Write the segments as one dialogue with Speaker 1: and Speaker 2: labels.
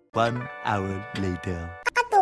Speaker 1: One hour later.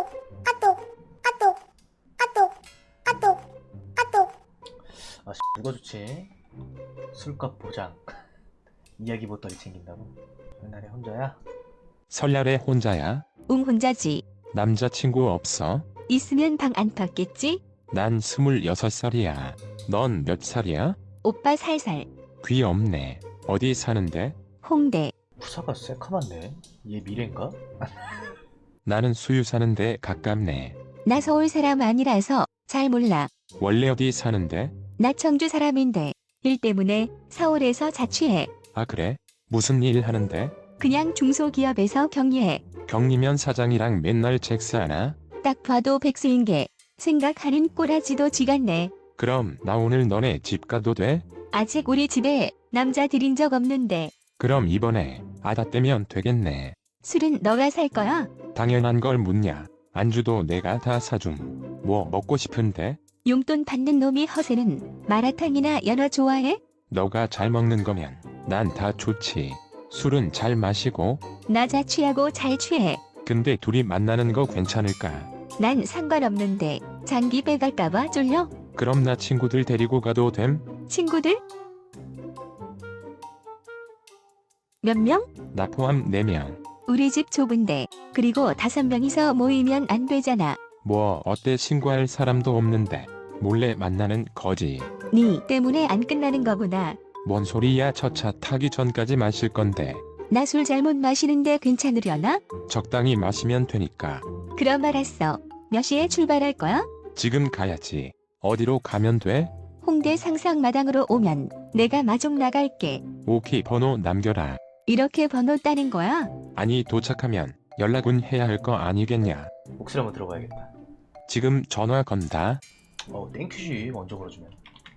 Speaker 2: 누가 좋지? 술값 보장. 이야기 보따리 챙긴다고? 옛날에 혼자야?
Speaker 3: 설날에 혼자야?
Speaker 4: 응 혼자지.
Speaker 3: 남자친구 없어?
Speaker 4: 있으면 방 안 팠겠지?
Speaker 3: 난 26살이야. 넌 몇 살이야?
Speaker 4: 오빠 살살.
Speaker 3: 귀 없네. 어디 사는데?
Speaker 4: 홍대.
Speaker 2: 부사가 새카만데? 얘 미래인가?
Speaker 3: 나는 수유 사는데 가깝네.
Speaker 4: 나 서울 사람 아니라서 잘 몰라.
Speaker 3: 원래 어디 사는데?
Speaker 4: 나 청주 사람인데 일 때문에 서울에서 자취해.
Speaker 3: 아 그래? 무슨 일 하는데?
Speaker 4: 그냥 중소기업에서 경리해.
Speaker 3: 경리면 사장이랑 맨날 잭스하나?
Speaker 4: 딱 봐도 백수인 게 생각하는 꼬라지도 지같네.
Speaker 3: 그럼 나 오늘 너네 집 가도 돼?
Speaker 4: 아직 우리 집에 남자 들인 적 없는데
Speaker 3: 그럼 이번에 아다 떼면 되겠네.
Speaker 4: 술은 너가 살 거야?
Speaker 3: 당연한 걸 묻냐. 안주도 내가 다 사줌. 뭐 먹고 싶은데?
Speaker 4: 용돈 받는 놈이 허세는 마라탕이나 연어 좋아해?
Speaker 3: 너가 잘 먹는 거면 난 다 좋지. 술은 잘 마시고.
Speaker 4: 나 자취하고 잘 취해.
Speaker 3: 근데 둘이 만나는 거 괜찮을까?
Speaker 4: 난 상관없는데 장기 빼갈까봐 쫄려?
Speaker 3: 그럼 나 친구들 데리고 가도 됨?
Speaker 4: 친구들? 몇 명?
Speaker 3: 나 포함 4명.
Speaker 4: 우리 집 좁은데 그리고 5명이서 모이면 안 되잖아.
Speaker 3: 뭐 어때 신고할 사람도 없는데 몰래 만나는 거지.
Speaker 4: 니 때문에 안 끝나는 거구나.
Speaker 3: 뭔 소리야. 첫 차 타기 전까지 마실 건데.
Speaker 4: 나 술 잘못 마시는데 괜찮으려나?
Speaker 3: 적당히 마시면 되니까.
Speaker 4: 그럼 알았어. 몇 시에 출발할 거야?
Speaker 3: 지금 가야지. 어디로 가면 돼?
Speaker 4: 홍대 상상마당으로 오면 내가 마중 나갈게.
Speaker 3: 오케이 번호 남겨라.
Speaker 4: 이렇게 번호 따는 거야?
Speaker 3: 아니 도착하면 연락은 해야 할 거 아니겠냐.
Speaker 2: 목소리 한번 들어봐야겠다.
Speaker 3: 지금 전화 건다.
Speaker 2: 땡큐지. 먼저 걸어주면.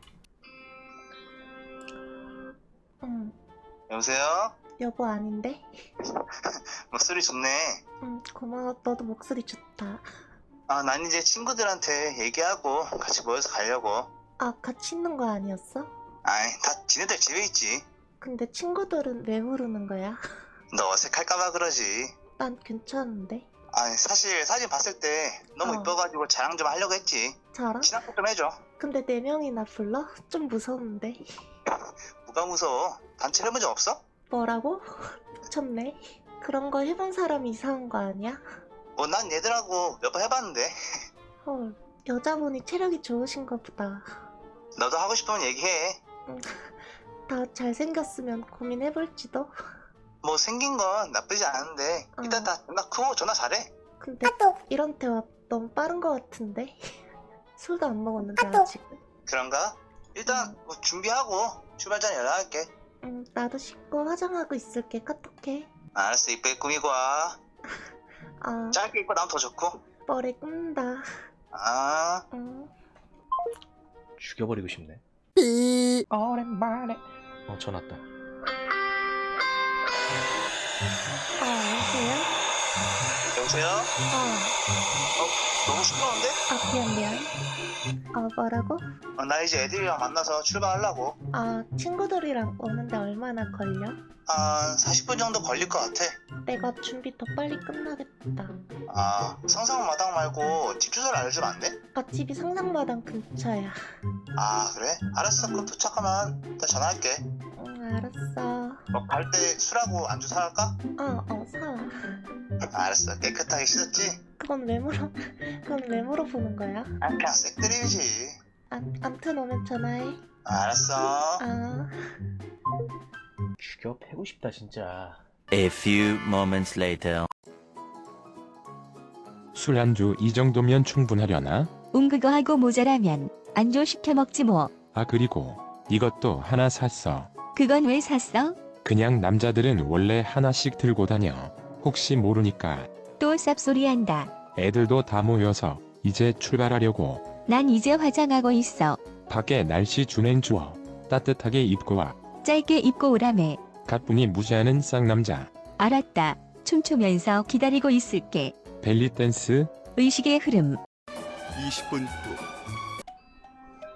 Speaker 5: 응,
Speaker 6: 여보세요?
Speaker 5: 여보 아닌데?
Speaker 6: 목소리 좋네.
Speaker 5: 응, 고마워. 너도 목소리 좋다.
Speaker 6: 아, 난 이제 친구들한테 얘기하고 같이 모여서 가려고.
Speaker 5: 아, 같이 있는 거 아니었어?
Speaker 6: 아이, 다 지네들 집에 있지.
Speaker 5: 근데 친구들은 왜 부르는 거야?
Speaker 6: 너 어색할까봐 그러지.
Speaker 5: 난 괜찮은데.
Speaker 6: 아니, 사실 사진 봤을 때 너무 이뻐가지고 자랑 좀 하려고 했지.
Speaker 5: 자랑?
Speaker 6: 친한 척 좀 해줘.
Speaker 5: 근데 4명이나 불러? 좀 무서운데.
Speaker 6: 뭐가 무서워? 단체 해본 적 없어?
Speaker 5: 뭐라고? 미쳤네. 그런 거 해본 사람이 이상한 거 아니야?
Speaker 6: 뭐 난 얘들하고 몇 번 해봤는데.
Speaker 5: 헐, 여자분이 체력이 좋으신가 보다.
Speaker 6: 너도 하고 싶으면 얘기해.
Speaker 5: 다 잘생겼으면 고민해볼지도.
Speaker 6: 뭐 생긴 건 나쁘지 않은데 일단 다 전화 크고 전화 잘해.
Speaker 5: 근데 이런 대화 너무 빠른 거 같은데? 술도 안 먹었는데 아직.
Speaker 6: 그런가? 일단 뭐 준비하고 출발 전에 연락할게.
Speaker 5: 나도 씻고 화장하고 있을게. 카톡해.
Speaker 6: 알았어, 이쁘게 꾸미고 와.
Speaker 5: 아,
Speaker 6: 짧게 입고 나면 더 좋고.
Speaker 5: 머리 꾼다.
Speaker 6: 아.
Speaker 2: 죽여버리고 싶네. 오랜만에. 전화 왔다.
Speaker 5: 여보세요?
Speaker 6: 여보세요? 너무 시끄러운데?
Speaker 5: 미안. 뭐라고?
Speaker 6: 나 이제 애들이랑 만나서 출발하려고.
Speaker 5: 친구들이랑 오는데 얼마나 걸려?
Speaker 6: 한 40분 정도 걸릴 것 같아.
Speaker 5: 내가 준비 더 빨리 끝나겠다.
Speaker 6: 상상마당 말고 집 주소를 알려주면 안 돼?
Speaker 5: 집이 상상마당 근처야.
Speaker 6: 그래? 알았어. 그럼 도착하면 일단 전화할게.
Speaker 5: 알았어.
Speaker 6: 갈 때 술하고 안주 사갈까?
Speaker 5: 사와.
Speaker 6: 알았어. 깨끗하게 씻었지?
Speaker 5: 그건 왜 물어보는 거야?
Speaker 6: 그냥 색드립이지.
Speaker 5: 암튼 오면 전화해.
Speaker 6: 알았어.
Speaker 2: 죽여 패고 싶다 진짜.
Speaker 1: A few moments later.
Speaker 3: 술 안주 이 정도면 충분하려나?
Speaker 4: 그거 하고 모자라면 안주 시켜 먹지 뭐.
Speaker 3: 그리고 이것도 하나 샀어.
Speaker 4: 그건 왜 샀어?
Speaker 3: 그냥 남자들은 원래 하나씩 들고 다녀. 혹시 모르니까.
Speaker 4: 또 쌉소리 한다.
Speaker 3: 애들도 다 모여서 이제 출발하려고.
Speaker 4: 난 이제 화장하고 있어.
Speaker 3: 밖에 날씨 준행 좋아. 따뜻하게 입고 와.
Speaker 4: 짧게 입고 오라매.
Speaker 3: 가뿐히 무시하는 쌍남자.
Speaker 4: 알았다. 춤추면서 기다리고 있을게.
Speaker 3: 벨리 댄스.
Speaker 4: 의식의 흐름.
Speaker 1: 20분 후.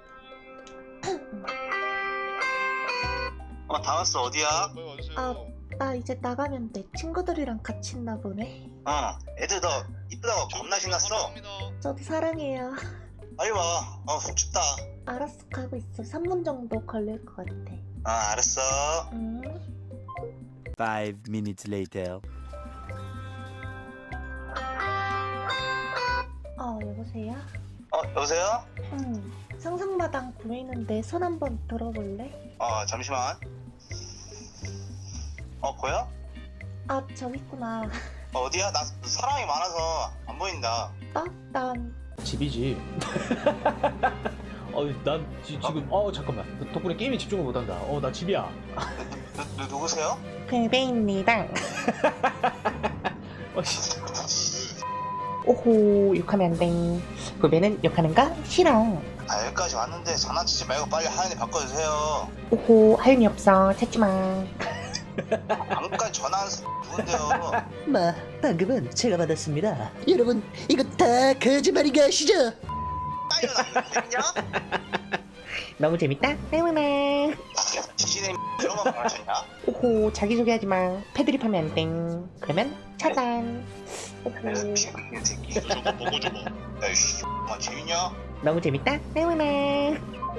Speaker 6: 다 왔어. 어디야?
Speaker 5: 나 이제 나가면 돼. 친구들이랑 같이 있나 보네.
Speaker 6: 애들 너 이쁘다고 겁나 신났어.
Speaker 5: 저도 사랑해요.
Speaker 6: 빨리 와. 춥다.
Speaker 5: 알았어, 가고 있어. 3분 정도 걸릴 것 같아.
Speaker 6: 알았어.
Speaker 5: 응.
Speaker 1: 5 minutes later.
Speaker 5: 여보세요?
Speaker 6: 여보세요?
Speaker 5: 상상마당 보이는데 손 한번 들어볼래?
Speaker 6: 잠시만. 보여?
Speaker 5: 아, 저기 있구나.
Speaker 6: 어디야? 나 사람이 많아서 안 보인다.
Speaker 5: 난
Speaker 2: 집이지. 난 지금 잠깐만. 덕분에 게임에 집중을 못한다. 나 집이야.
Speaker 6: 누구세요?
Speaker 5: 베베입니다.
Speaker 2: 씨.
Speaker 5: 오호, 욕하면 안 돼. 후배는 욕하는 거 싫어.
Speaker 6: 여기까지 왔는데 장난치지 말고 빨리 하연이 바꿔주세요.
Speaker 5: 오호, 할 일 없어. 찾지 마.
Speaker 6: 방금까지 전화한 누군데요?
Speaker 7: 방금은 제가 받았습니다. 여러분, 이거 다 거짓말인 거 아시죠?
Speaker 6: 빨리 나 재밌냐?
Speaker 5: 너무 재밌다. 때문에.
Speaker 6: 지진의 이런 거 말하셨냐?
Speaker 5: 오호, 자기소개하지 마. 패드립 하면 안 돼. 그러면 차단. 오호,
Speaker 6: 이 새끼. 저거 보고 좀. 야이씨, 재밌냐?
Speaker 5: 너무 재밌다. 때문에.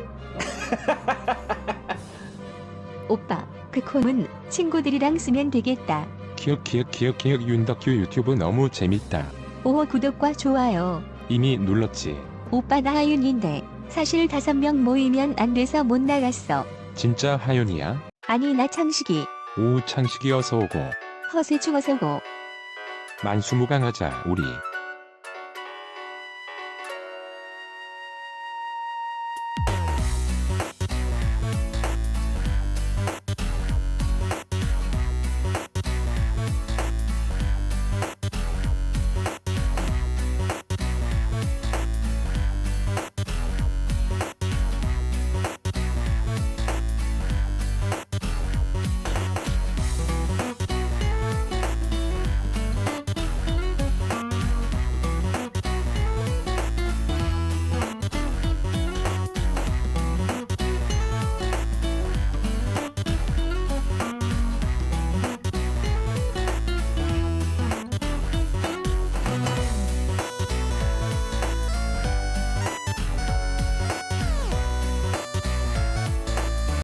Speaker 4: 오빠, 그 콤은 친구들이랑 쓰면 되겠다.
Speaker 3: 기억 윤덕규 유튜브 너무 재밌다.
Speaker 4: 오, 구독과 좋아요.
Speaker 3: 이미 눌렀지.
Speaker 4: 오빠 나 하윤인데 사실 5명 모이면 안 돼서 못 나갔어.
Speaker 3: 진짜 하윤이야?
Speaker 4: 아니 나 창식이.
Speaker 3: 오 창식이 어서 오고.
Speaker 4: 허세 죽어서고.
Speaker 3: 만수무강하자 우리.